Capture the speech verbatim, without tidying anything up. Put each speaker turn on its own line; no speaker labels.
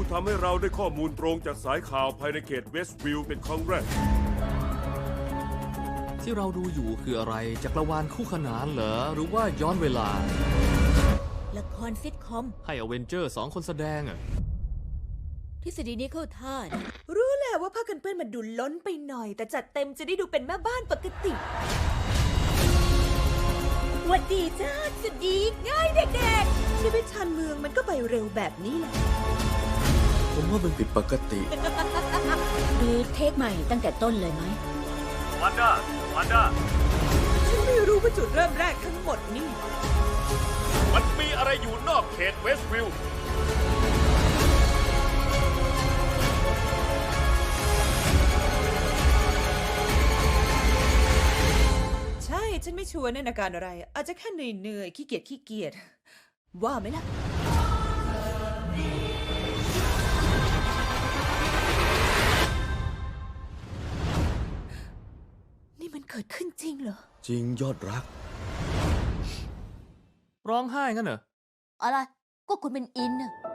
ทำให้เราได้ข้อมูลตรงจากสายข่าวภายในเขตเวสต์วิลล์เป็นครั้งแรก
ที่เราดูอยู่คืออะไรจักรวาลคู่ขนานเหรอหรือว่าย้อนเวลา
ละครซิทคอม
ให้อเวนเจอร์สองคนแสดงอะ
ทฤษฎีนี้เข้าท่านะ
รู้แหละว่าผ้ากันเปื้อนมันดูล้นไปหน่อยแต่จัดเต็มจะได้ดูเป็นแม่บ้านปกติหวัดดีจ้าสวัสดีง่ายเด็กๆชีวิตชานเมืองมันก็ไปเร็วแบบนี้แหละ
ผมว่ามันผิดปกติ
ดูเทคใหม่ตั้งแต่ต้นเลยไหม
วันด้าวันด้า
ฉันไม่รู้ว่าจุดเริ่มแรกทั้งหมดนี่
มันมีอะไรอยู่นอกเขตเวสต์วิลล์
ใช่ฉันไม่ชัวร์ในอาการอะไรอาจจะแค่เหนื่อยๆขี้เกียจขี้เกียจว่าไหมล่ะนี่มันเกิดขึ้นจริงเหรอ
จริงยอดรักร้องไห้งั้นเหรอ
อะไรก็คุณเป็นอินน่ะ